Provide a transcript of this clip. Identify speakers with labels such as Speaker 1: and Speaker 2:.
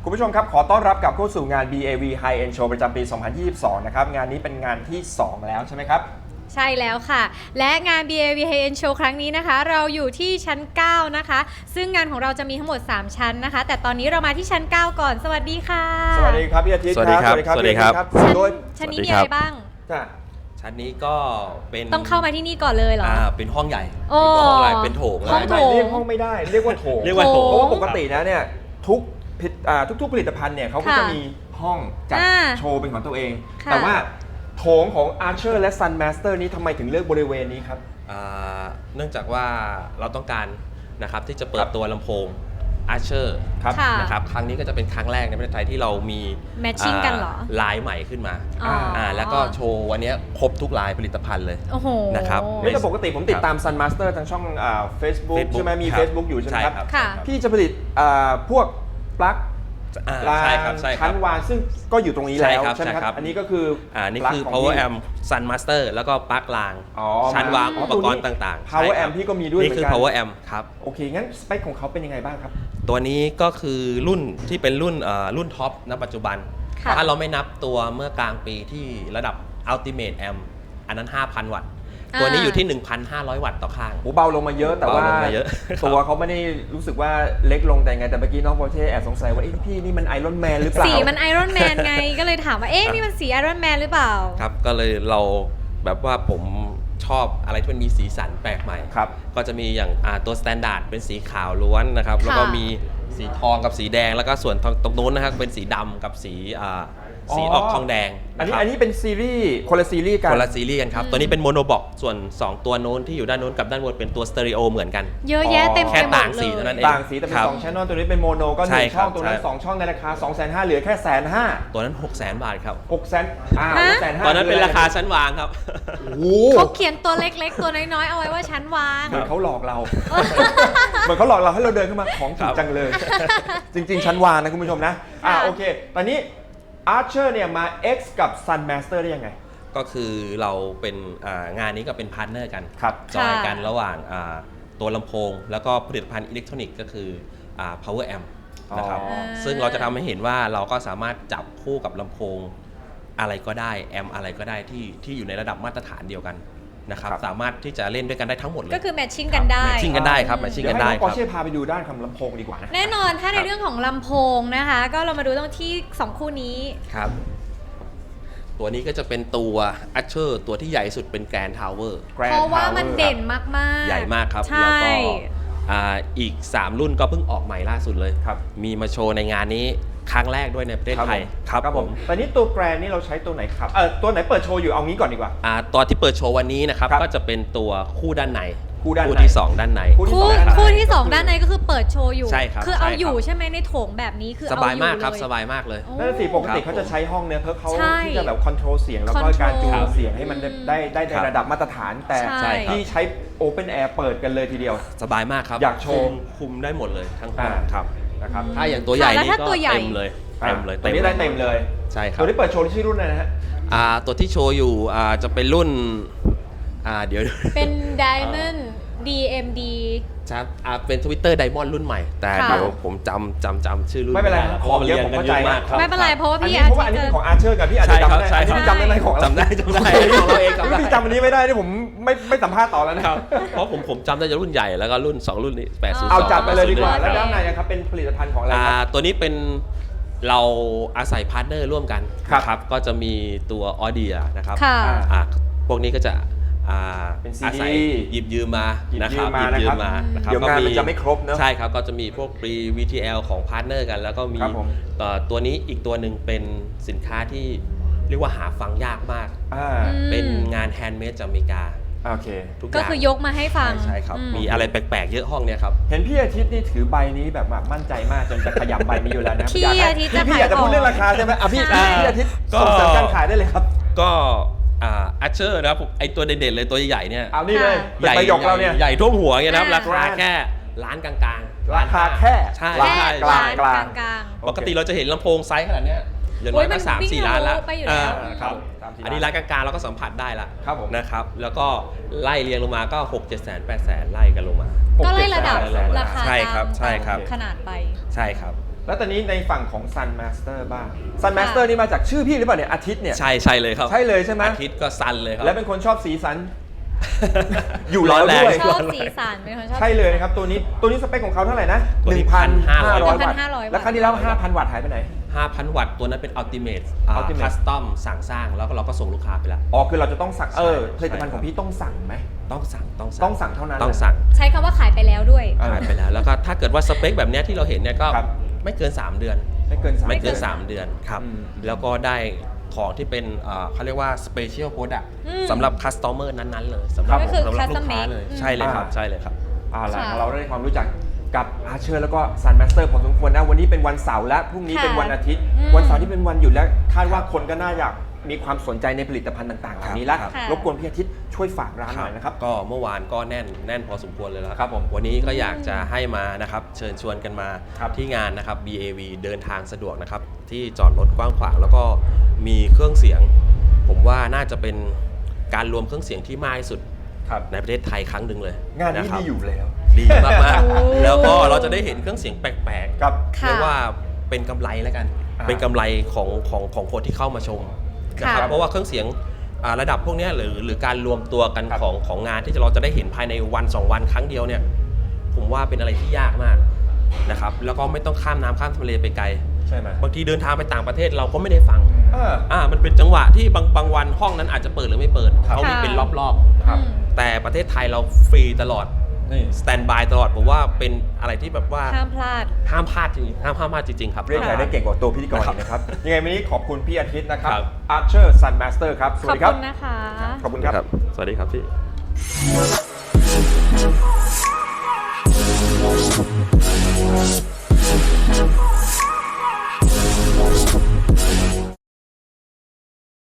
Speaker 1: คุณผู้ชมครับขอต้อนรับกลับเข้าสู่งาน BAV High End Show ประจำปี 2022 นะครับงานนี้เป็นงานที่ 2 แล้วใช่ไหมครับ
Speaker 2: ใช่แล้วค่ะและงาน BAV High End Show ครั้งนี้นะคะเราอยู่ที่ชั้น 9 นะคะซึ่งงานของเราจะมีทั้งหมด 3 ชั้นนะคะแต่ตอนนี้เรามาที่ชั้น 9 ก่อนสวัสดีค่ะ
Speaker 1: สวัสดีครับพี่อาทิตย์
Speaker 3: สวัสดีครับสวัสดีครับ
Speaker 1: โดย
Speaker 2: ชั้นนี้มีอะไรบ้าง
Speaker 3: ชั้นนี้ก็เป็น
Speaker 2: ต้องเข้ามาที่นี่ก่อนเลยเหรอ
Speaker 3: เป็นห้องใหญ่
Speaker 2: ห้
Speaker 3: องใหญ่เป็นโถง
Speaker 2: ห้องโถง
Speaker 1: เรียกห้องไม่ได้เรียกว่าโถงเพราะว่าปกตินะเนี่ยทุกผลิตภัณฑ์เนี่ยเขาก็จะมีห้องจัดโชว์เป็นของตัวเองแต่ว่าโถงของ Archer และ Sun Master นี้ทำไมถึงเลือกบริเวณนี้ครับ
Speaker 3: เนื่องจากว่าเราต้องการนะครับที่จะเปิดตัวลำโพง Archer นะครับครั้งนี้ก็จะเป็นครั้งแรกในประเทศไทยที่เรามี
Speaker 2: แมทชิ่งกันเหรอ
Speaker 3: ลายใหม่ขึ้นมาแล้วก็โชว์วันนี้ครบทุกลายผลิตภัณฑ์เลยนะครับ
Speaker 1: ไม่แต่ปกติผมติดตาม Sun Master ทางช่องFacebook ใช่ไหมมี Facebook อยู่ใช่ไหมครับพี่จะผลิตพวกปลั๊กชั้นวางซึ่งก็อยู่ตรงนี้แล้วใช่ไหมครับอันนี้ก็คือ
Speaker 3: นี่คือ Power Amp Sun Master แล้วก็ปลั๊กรางชั้นวางอุปกรณ์ต่าง
Speaker 1: ๆ Power Amp พี่ก็มีด้วย
Speaker 3: นี่คือ Power Amp ครับ
Speaker 1: โอเคงั้นสเปคของเขาเป็นยังไงบ้างครับ
Speaker 3: ตัวนี้ก็คือรุ่นที่เป็นรุ่นท็อปณปัจจุบันถ้าเราไม่นับตัวเมื่อกลางปีที่ระดับ Ultimate Amp อันนั้น 5,000 วัตต์ตัวนี้อยู่ที่ 1,500 วัตต์ต่อข้าง
Speaker 1: เบาลงมาเยอะแต่ว่าตัวเขาไม่ได้รู้สึกว่าเล็กลงแต่ไงแต่เมื่อกี้น้องโปรเช่แอบสงสัยว่าพี่นี่มันไอรอนแมนหรือเปล่า
Speaker 2: สีมันไอรอนแมนไงก็เลยถามว่านี่มันสีไอรอนแมนหรือเปล่า
Speaker 3: ครับก็เลยเราแบบว่าผมชอบอะไรที่มันมีสีสันแปลกใหม่ก็จะมีอย่างตัวสแตนดาร์ดเป็นสีขาวล้วนนะครับแล้วก็มีสีทองกับสีแดงแล้วก็ส่วนตรงนู้นนะครับเป็นสีดำกับสีออกทองแดง
Speaker 1: อันนี้เป็นซีรีส์คนละซีรีส์กัน
Speaker 3: ครับตัวนี้เป็นโมโนบ็อกส่วน2ตัวโน้นที่อยู่ด้านโน้นกับด้านบนเป็นตัวสเตอริโอเหมือนกัน
Speaker 2: เยอะแยะเต็มไปหมดเลย
Speaker 3: แค่ต่างสีเท่านั้นเอง
Speaker 1: ต่างสีแต่เป็น2 channel ตัวนี้เป็นโมโนก็1ช่องตัวนั้น2ช่องในราคา 250,000 เหลือแค่ 150,000
Speaker 3: ตัวนั้น 600,000 บาทครับ
Speaker 1: 600,000
Speaker 3: ตอนนั้นเป็นราคาชั้นวางครับ
Speaker 2: เขาเขียนตัวเล็กๆตัวน้อยๆเอาไว้ว่าชั้นวาง
Speaker 1: เหมือนเขาหลอกเราเหมือนเขาหลอกเราให้เราเดินเข้ามาของถูกจังเลยจริงๆชั้นวางนะคุณผู้ชมนะโอเคตอนนี้Archer เนี่ยมา X กับ Sun Master ได้ยังไง
Speaker 3: ก็คือเราเป็นงานนี้ก็เป็นพาร์ทเนอร์กันจอยกันระหว่างตัวลำโพงแล้วก็ผลิตภัณฑ์อิเล็กทรอนิกส์ก็คือ Power Amp นะครับซึ่งเราจะทำให้เห็นว่าเราก็สามารถจับคู่กับลำโพงอะไรก็ได้แอมอะไรก็ได้ที่อยู่ในระดับมาตรฐานเดียวกันนะครับสามารถที่จะเล่นด้วยกันได้ทั้งหมดเลย
Speaker 2: ก็คือแมทชิ่งกันได้
Speaker 3: ครับแมทชิ่งกันได้
Speaker 1: เดี๋ยวให้น้องปอร์เช่พาไปดูด้านของลำโพงดีกว่านะ
Speaker 2: แน่นอนถ้าในเรื่องของลำโพงนะคะก็เรามาดูตรงที่2คู่นี้
Speaker 3: ครับตัวนี้ก็จะเป็นตัว Archer ตัวที่ใหญ่สุดเป็น Grand Tower
Speaker 2: เพราะว่ามันเด่นมาก
Speaker 3: ๆใหญ่มากครับแล้วก็อีก3รุ่นก็เพิ่งออกใหม่ล่าสุดเลยมีมาโชว์ในงานนี้ครั้งแรกด้วยในประเทศไทย
Speaker 1: ครับผมตอนนี้ตัวแกรนนี่เราใช้ตัวไหนครับตัวไหนเปิดโชว์อยู่เอางี้ก่อนดีกว่า
Speaker 3: ตัวที่เปิดโชว์วันนี้นะครับก็จะเป็นตัวคู่ด้านในคู่ที่2ด้านใน
Speaker 2: คู่ที่2ด้านในก็คือเปิดโชว์อยู่คือเอาอยู่ใช่ไหมในโถงแบบนี้คือ
Speaker 3: สบายมากครับสบายมากเลย
Speaker 1: นั่นสิปกติเขาจะใช้ห้องเนี่ยเพื่อเขาที่จะแบบคอนโทรลเสียงแล้วก็การจูนเสียงให้มันได้ในระดับมาตรฐานแต่ที่ใช้ Open Air เปิดกันเลยทีเดียว
Speaker 3: สบายมากครับ
Speaker 1: อยากโชว์
Speaker 3: คุมได้หมดเลยทั้งห้องครับ
Speaker 1: นะครับ
Speaker 3: ถ้าอย่างตัวใหญ่นี่ก็เต็มเลย
Speaker 1: ตัวนี้ได้เต็มเลย
Speaker 3: ใช่ครับ
Speaker 1: ตัวที่เปิดโชว์ชื่อรุ่นอะไรนะฮะ
Speaker 3: ตัวที่โชว์อยู่จะเป็นรุ่นเดี๋ยว
Speaker 2: เป็น Diamond DMD
Speaker 3: ครับเป็น Twitter Diamond รุ่นใหม่แต่เดี๋ยวผมจำชื่อรุ่น
Speaker 1: ไม่เป็นไรของเยอะผมเข้าใจ
Speaker 2: ไม่เป็นไรเพราะว่าพี่
Speaker 1: อันนี้ของ Archer กับพี่อาจจะจำได้พี่จำได้ไหมของเรา
Speaker 3: จำได้ของเราเอง
Speaker 1: พี่จำอันนี้ไม่ได้ที่ผมไม่สัมภาษณ์ต่อแล้วนะครับ
Speaker 3: เพราะผมจำได้จะรุ่นใหญ่แล้วก็รุ่น2รุ่นนี้802
Speaker 1: เอาจัดไปเลยดีกว่าแล้วด้านในครับเป็นผลิตภัณฑ์ของอะไรครับ
Speaker 3: ตัวนี้เป็นเราอาศัยพาร์ทเนอร์ร่วมกันครับก็จะมีตัว Audio นะครับพวกนี้ก็จะ
Speaker 1: เป็นซี
Speaker 3: ดีหยิบยืมมานะครับ
Speaker 1: เดี๋ยวงานมันจะไม่ครบเนอะ
Speaker 3: ใช่ครับก็จะมีพวก pre VTL ของพาร์ทเนอร์กันแล้วก็มีตัวนี้อีกตัวหนึ่งเป็นสินค้าที่เรียกว่าหาฟังยากมากเป็นงานแฮนด์เมดจากอเมริกา
Speaker 1: โอเค
Speaker 2: ก็คือยกมาให้ฟัง
Speaker 3: ใช่ครับมีอะไรแปลกๆเยอะห้องเนี้ยครับ
Speaker 1: เห็นพี่อาทิตย์นี่ถือใบนี้แบบมั่นใจมากจนจะขยำใบนี้อยู่แล้วนะ
Speaker 2: พี่อาทิตย์
Speaker 1: พี่อยากจะพูดเรื่องราคาใช่ไหมพี่อาทิตย์ส่งเสริมการขายได้เลยครับ
Speaker 3: ก็Archer นะครับไอตัวเด่นๆเลยตัวใหญ่เนี่ย
Speaker 1: เอานี่เลยใหญ่เราเนี่ย
Speaker 3: ใหญ่ท่วมหัวเงี้ยนะครับราคาแค่ล้านกลาง
Speaker 1: ราคาแค่
Speaker 3: ใช่
Speaker 1: กลาง
Speaker 3: ปกติเราจะเห็นลำโพงไซส์ขนาดเนี้ยอย่างน้อยก็3-4 ล้านแล้วครับอันนี้ร้านกลางๆเราก็สัมผัสได้ละนะครับแล้วก็ไล่เรียงลงมาก็ 6-700,000-800,000ไล่กันลงมา
Speaker 2: ก็ไล่ระดับราคา
Speaker 3: ใช่ครับ
Speaker 2: ขนาดไป
Speaker 3: ใช่ครับ
Speaker 1: แล้วตอนนี้ในฝั่งของ Sun Master บ้าง Sun Master นี่มาจากชื่อพี่หรือเปล่าเนี่ยอาทิตย์เนี่ย
Speaker 3: ใช่เลยครับ
Speaker 1: ใช่เลยใช่ไหม
Speaker 3: อาทิตย์ก็ซันเลยครับ
Speaker 1: และเป็นคนชอบสีสัน อยู่แล้วด้วย
Speaker 2: ชอบสีสันเป็นคนชอบ
Speaker 1: ใช่เลยนะครับตัวนี้สเปคของเขาเท่าไหร่นะ
Speaker 3: ตัวนี้
Speaker 1: 1,500 วัตต์
Speaker 2: 1,500
Speaker 1: แล้วครั้งที่แล้ว 5,000 วัตต์หายไปไหน
Speaker 3: 5,000 วัตต์ตัวนั้นเป็น Ultimate
Speaker 1: Ultimate
Speaker 3: คัสตอมสั่งสร้างแล้วก็เราก็ส่งลูกค้าไปแล้ว
Speaker 1: อ๋อคือเราจะต้องสั่ง
Speaker 3: ใช่
Speaker 1: ผลิตภัณฑ์ของพี่ต้องสั่งไหม
Speaker 3: ต้องสั่ง
Speaker 1: ต้องสั่งเท่านั้น
Speaker 3: ต้องสั่ง
Speaker 2: ใช้คำว่าขายไปแล้วด้วย
Speaker 1: เออ
Speaker 3: ขายไปแล้วแล้วก็ถ้าเกิดว่าสเปคแบบเนี้ยที่เราเห็นเนี่ยก็
Speaker 1: ครับ
Speaker 3: ไม่เกิน 3 เดือน
Speaker 1: ไม่เกิน3
Speaker 3: ไม่เกิน 3 เดือนครับ
Speaker 1: อืม
Speaker 3: แล้วก็ได้ของที่เป็นเขาเรียกว่า Special Product สำหรับคัสตอเมอร์นั้นๆเลยสำหรับ
Speaker 2: ก็คือ
Speaker 3: สำหรับลู
Speaker 2: custom
Speaker 3: กค้า
Speaker 2: made
Speaker 3: เลยใช่เลยครับใช่เลยครับ
Speaker 1: ล่ะ
Speaker 2: ค่ะ
Speaker 1: เราได้ความรู้จักกับอาเชอร์แล้วก็ Sun Master พอสมควรนะวันนี้เป็นวันเสาร์และพรุ่งนี้
Speaker 2: ค่ะ
Speaker 1: เป็นวันอาทิตย์
Speaker 2: อืม
Speaker 1: วันเสาร์ที่เป็นวันหยุดและคาดว่าคนก็น่าอยากมีความสนใจในผลิตภัณฑ์ต่างๆเหล่านี้แล้ว
Speaker 3: ครับ
Speaker 1: รบกวนพี่อาทิตย์ช่วยฝากร้านหน่อยนะครับ
Speaker 3: ก็เมื่อวานก็แน่นพอสมควรเลยแล้ว
Speaker 1: ครับผม
Speaker 3: วันนี้ก็อยากจะให้มานะครับเชิญชวนกันมา
Speaker 1: ครับ
Speaker 3: ที่งานนะครับ BAV เดินทางสะดวกนะครับที่จอดรถกว้างขวางแล้วก็มีเครื่องเสียง ผมว่าน่าจะเป็นการรวมเครื่องเสียงที่มากที่สุด
Speaker 1: ครับ
Speaker 3: ในประเทศไทยครั้งหนึ่งเลย
Speaker 1: งานนี้
Speaker 3: ะครับ
Speaker 1: ดีอยู่แล้ว
Speaker 3: ดีมาก
Speaker 2: โอ้
Speaker 3: ๆแล้วก็เราจะได้เห็นเครื่องเสียงแปลก
Speaker 1: ครับ
Speaker 3: ๆ
Speaker 2: ค่ะ
Speaker 3: เรียกว่าเป็นกำไรแล้วกัน เป็นกำไรของคนที่เข้ามาชมนะครับ
Speaker 2: ค่ะ
Speaker 3: เพราะว่าเครื่องเสียงระดับพวกเนี้ยหรือการรวมตัวกัน
Speaker 1: ครับ
Speaker 3: ของงานที่เราจะได้เห็นภายในวัน2 วันครั้งเดียวเนี่ยผมว่าเป็นอะไรที่ยากมากนะครับแล้วก็ไม่ต้องข้ามน้ำข้ามทะเลไปไกล
Speaker 1: ใช่ไหม
Speaker 3: บางทีเดินทางไปต่างประเทศเราก็ไม่ได้ฟัง
Speaker 1: า
Speaker 3: มันเป็นจังหวะที่บางวันห้องนั้นอาจจะเปิดหรือไม่เปิด
Speaker 1: ครับ
Speaker 3: เขามีเป็นรอบ
Speaker 1: ครับ
Speaker 3: ๆแต่ประเทศไทยเราฟรีตลอด
Speaker 1: นี่
Speaker 3: สแตนบายตลอดผมว่าเป็นอะไรที่แบบว่า
Speaker 2: ห้ามพลาด
Speaker 3: ห้ามพลาดจริงๆห้ามพลาดจริงๆครับ
Speaker 1: เรียกใคร
Speaker 2: ค่ะ
Speaker 1: ได้เก่งกว่าตัวพิธีกร
Speaker 3: ครับ
Speaker 1: อีกนะครับ ยังไงวันนี้ขอบคุณพี่อาทิตย์นะครับ
Speaker 3: ครับ
Speaker 1: Archer Sun Master ครับ ส
Speaker 2: ข
Speaker 1: วั
Speaker 2: อ
Speaker 1: ส
Speaker 2: บ
Speaker 1: ดีครับ
Speaker 2: คุณนะคะ
Speaker 1: ขอบคุณครับ
Speaker 3: สวัสดีครับพี่